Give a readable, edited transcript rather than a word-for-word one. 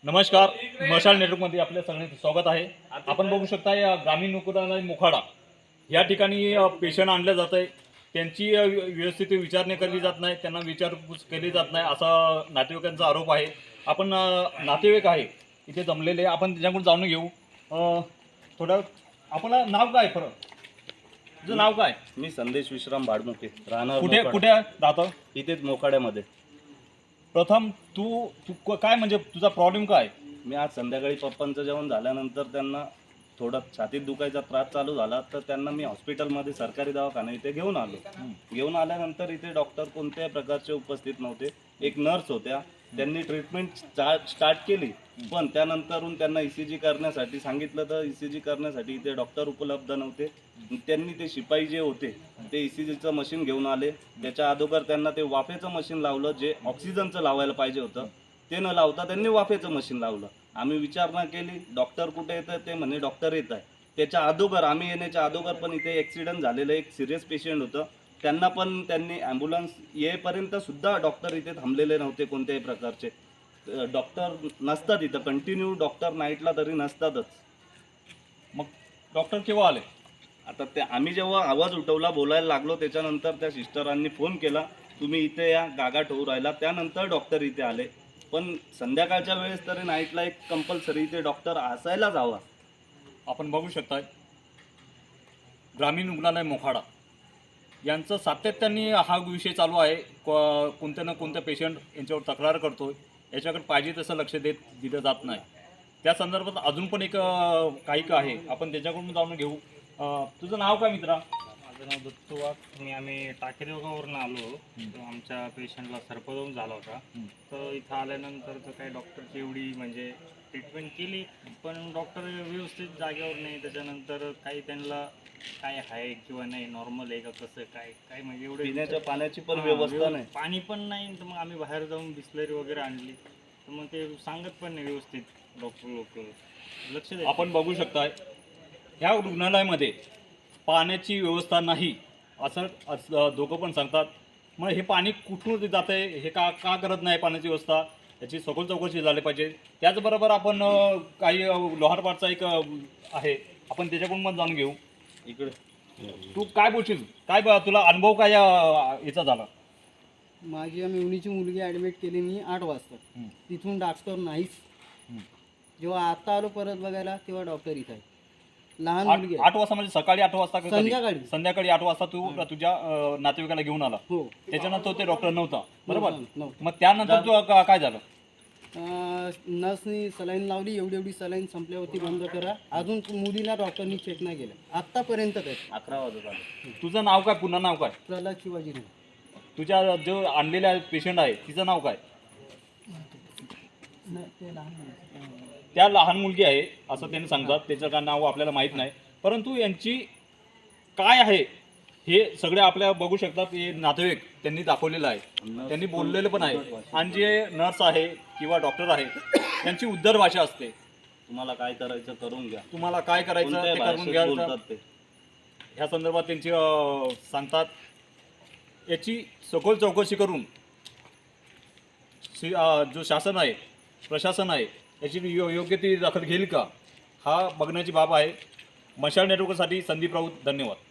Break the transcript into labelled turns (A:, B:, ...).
A: नमस्कार, मशाल नेटवर्कमध्ये आपल्या सगळ्यांचं स्वागत आहे। आपण बघू शकता या ग्रामीण रुग्णालय मोखाडा या ठिकाणी पेशंट आणले जात आहे। त्यांची व्यवस्थित विचारणे केली जात नाही, त्यांना विचारपूस केली जात नाही असा नातेवाईकांचा आरोप आहे। आपण नातेवाईक आहे इथे जमलेले, आपण त्यांच्याकडून जाणून घेऊ। थोडं आपलं नाव काय? खरं तुझं नाव काय?
B: मी संदेश विश्राम भाडमुखे, राहणार
A: कुठे कुठे राहतो?
B: इथेच मोखाड्यामध्ये।
A: प्रथम तू काय म्हणजे तुझा प्रॉब्लेम काय?
B: मी आज संध्याकाळी पप्पांचं जेवण झाल्यानंतर त्यांना थोडा छातीत दुखायचा त्रास चालू झाला, तर त्यांना मी हॉस्पिटलमध्ये सरकारी दवाखाना इथे घेऊन आलो। घेऊन आल्यानंतर इथे डॉक्टर कोणत्याही प्रकारचे उपस्थित नव्हते, एक नर्स होत्या। त्यांनी ट्रीटमेंट स्टार्ट केली, पण त्यानंतरून त्यांना ECG करण्यासाठी सांगितलं, तर ECG करण्यासाठी इथे डॉक्टर उपलब्ध नव्हते। त्यांनी ते शिपाई जे होते ते ECGचं मशीन घेऊन आले। त्याच्या अगोदर त्यांना ते वाफेचं मशीन लावलं, जे ऑक्सिजनचं लावायला पाहिजे होतं ते न लावता त्यांनी वाफेचं मशीन लावलं। आम्ही विचारणा केली डॉक्टर कुठे येतं, ते म्हणे डॉक्टर येत आहे। त्याच्या अगोदर आम्ही येण्याच्या अगोदर पण इथे ॲक्सिडेंट झालेलं एक सिरियस पेशंट होतं, त्यांना पण त्यांनी ॲम्ब्युलन्स येईपर्यंत सुद्धा डॉक्टर इथे थांबलेले नव्हते कोणत्याही प्रकारचे। डॉक्टर नसतात इथं, कंटिन्यू डॉक्टर नाईटला तरी नसतातच।
A: मग डॉक्टर केव्हा आले?
B: आता ते आम्ही जेव्हा आवाज उठवला, बोलायला लागलो, त्याच्यानंतर त्या सिस्टरांनी फोन केला, तुम्ही इथे या, गागाट होऊ राहिला। त्यानंतर डॉक्टर इथे आले। पण संध्याकाळच्या वेळेस तरी नाईटला एक कंपल्सरी इथे डॉक्टर असायलाच हवा।
A: आपण बघू शकताय ग्रामीण रुग्णालय मोखाडा यांचं सातत्याने हा विषय चालू आहे। कोणत्या ना कोणत्या पेशंट यांच्यावर तक्रार करतोय, याच्याकडे पाहिजे तसं लक्ष दिलं जात नाही। त्या संदर्भात अजून पण एक काही आहे, आपण त्याच्याकडून जाणून घेऊ। तुझं नाव काय मित्रा?
C: माझं नाव दत्तू वाघ। आम्ही टाकेदेवगाववरून आलो, तर आमच्या पेशंटला सर्पदंश झाला होता। तर इथं आल्यानंतर तर काही डॉक्टरची एवढी म्हणजे ट्रीटमेंट केली, पण डॉक्टर व्यवस्थित जागेवर नाही। त्याच्यानंतर काही त्यांना काय आहे किंवा नाही, नॉर्मल आहे का कसं काय काय म्हणजे एवढं
B: पिण्याच्या पाण्याची पण व्यवस्था नाही,
C: पाणी पण नाही। तर मग आम्ही बाहेर जाऊन बिस्लरी वगैरे आणली, तर मग ते सांगत पण नाही व्यवस्थित डॉक्टर लोक लक्ष द्या।
A: आपण बघू शकताय ह्या रुग्णालयामध्ये पाण्याची व्यवस्था नाही असं दोघं पण सांगतात। मग हे पाणी कुठून जात आहे, हे का करत नाही पाण्याची व्यवस्था, याची सखोल चौकशी झाली पाहिजे। त्याचबरोबर आपण काही लोहारपाडचा एक आहे, आपण त्याच्याकडून पण जाणून घेऊ।
B: इकडे
A: तू काय बोलशील, काय तुला अनुभव काय याचा झाला?
D: माझी मेवणीची मुलगी ॲडमिट केली मी 8 वाजता। तिथून डॉक्टर नाहीच। जेव्हा आता आलो परत बघायला, तेव्हा डॉक्टर इथं आहे। लहान मुलगी आहे।
A: 8 वाजता म्हणजे सकाळी 8 वाजता का कधी?
D: संध्याकाळी
A: 8 वाजता तू तुझ्या नातेवाईकाला घेऊन आला।
D: हो,
A: त्याच्यानंतर ते डॉक्टर नव्हता, बरोबर?
D: नव्हतं।
A: मग त्यानंतर तू काय झालं?
D: नर्सनी सलाईन लावली, एवढी सलाईन संपल्यावरती बंद करा। अजून मुलीला डॉक्टरनी चेक नाही केलं आत्तापर्यंत तरी।
B: 11 वाजत आले।
A: तुझं नाव काय? पुन्हा नाव काय?
D: प्रल्हाद शिवाजी।
A: तुझ्या जो आणलेला पेशंट आहे तिचं नाव काय? त्या लहान मुलगी आहे असं त्यांनी सांगतात, त्याचं काय नाव आपल्याला माहीत नाही। परंतु यांची काय आहे हे सगळे आपल्या बघू शकतात। हे नातेवाईक त्यांनी दाखवलेलं आहे, त्यांनी बोललेलं पण आहे। आणि जे नर्स आहे किंवा डॉक्टर आहे त्यांची उद्धर भाषा असते,
B: तुम्हाला काय करायचं करून घ्या,
A: तुम्हाला काय करायचं ते
B: कोणत्याही
A: करून
B: भाषेत
A: घ्यायचं
B: बोलतात ते।
A: ह्या संदर्भात त्यांची सांगतात। याची सखोल चौकशी करून जो शासन आहे, प्रशासन आहे, याची योग्य ती दखल घेईल का, हा बघण्याची बाब आहे। मशाल नेटवर्कसाठी संदीप राऊत, धन्यवाद।